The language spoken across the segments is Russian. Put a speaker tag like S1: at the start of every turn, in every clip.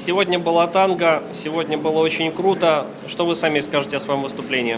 S1: Сегодня была танго, сегодня было очень круто. Что вы сами скажете о своем выступлении?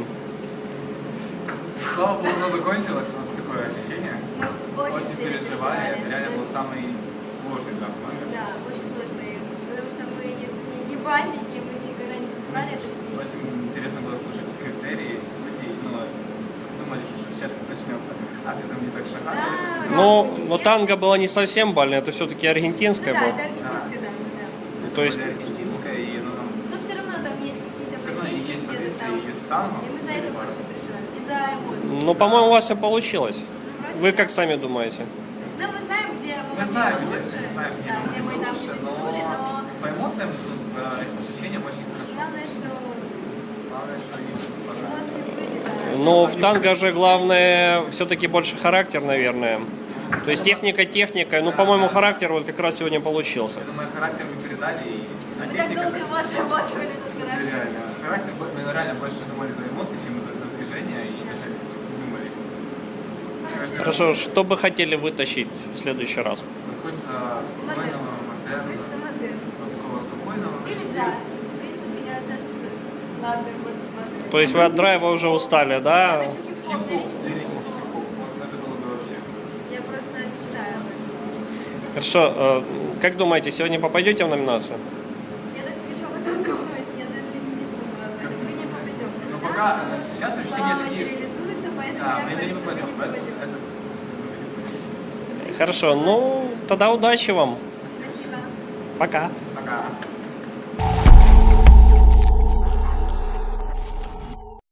S2: Слава богу, оно закончилось, вот такое ощущение.
S3: Мы
S2: Очень
S3: сильно
S2: переживали, это реально был
S3: то есть,
S2: самый сложный для нас момент.
S3: Да, очень сложный, потому что мы не бальники, мы никогда не танцевали этот стиль.
S2: Очень интересно было слушать критерии судей, но думали, что сейчас начнется, а ты там не так шагаешь.
S3: Да,
S1: Ну,
S3: да,
S1: но танго было не совсем бальное, это все-таки
S3: Ну
S1: аргентинское
S3: да,
S1: было.
S3: это аргентинское, да.
S1: То есть-
S2: аргентинское, и оно там
S3: Но все равно там есть какие-то
S2: все равно
S3: позиции,
S2: есть
S3: где-то
S2: позиции
S3: там.
S2: из танго.
S3: И мы за это больше переживаем. Из-за эмоций.
S1: Ну, по-моему, у вас все получилось.
S3: Вроде
S1: Вы
S3: да.
S1: как сами думаете?
S3: Ну, мы знаем, где мы
S2: Мы
S3: могли
S2: знаем,
S3: бы
S2: где,
S3: лучше,
S2: мы знаем, где
S3: да,
S2: мы
S3: где мы
S2: могли
S3: там
S2: лучше,
S3: не дотянули, но
S2: по эмоциям, по ощущениям очень хорошо.
S3: главное, что
S2: Главное, что они
S3: эмоции были, да.
S1: Но в танго же главное все-таки больше характер, наверное. То есть техника, ну, по-моему, характер вот как раз сегодня получился.
S2: Я думаю, характер мы передали, а
S3: Мы так
S2: техника...
S3: долго его отрабатывали, этот
S2: Это
S3: характер.
S2: реально. Характер, мы реально больше думали за эмоции, чем за движение, и даже думали.
S1: Хорошо, что бы хотели вытащить в следующий раз?
S2: Хочется спокойного, модерна,
S3: Хочется модерн.
S2: вот такого спокойного.
S3: Или джаз. В принципе, я джаз люблю. Ладно, вот модерн.
S1: То есть вы от драйва уже устали,
S3: Я
S1: да?
S3: хочу хип-хоп,
S2: Хип-хоп,
S3: лирический
S2: лирический
S3: хип-хоп.
S2: хип-хоп, вот это было бы вообще.
S3: Я просто мечтаю об этом.
S1: Хорошо, как думаете, сегодня попадете в номинацию?
S3: Я даже не хочу об этом думать, я даже не думаю об этом. Мы не попадем.
S2: Ну, пока, сейчас ощущения
S3: Слова
S2: такие,
S3: материализуются, поэтому
S2: да,
S3: я
S2: мы
S3: говорю,
S2: не
S3: что мы
S2: попадем,
S3: не
S2: поэтому
S3: попадем.
S1: Хорошо, ну тогда удачи вам.
S3: Спасибо.
S1: Пока.
S2: Пока.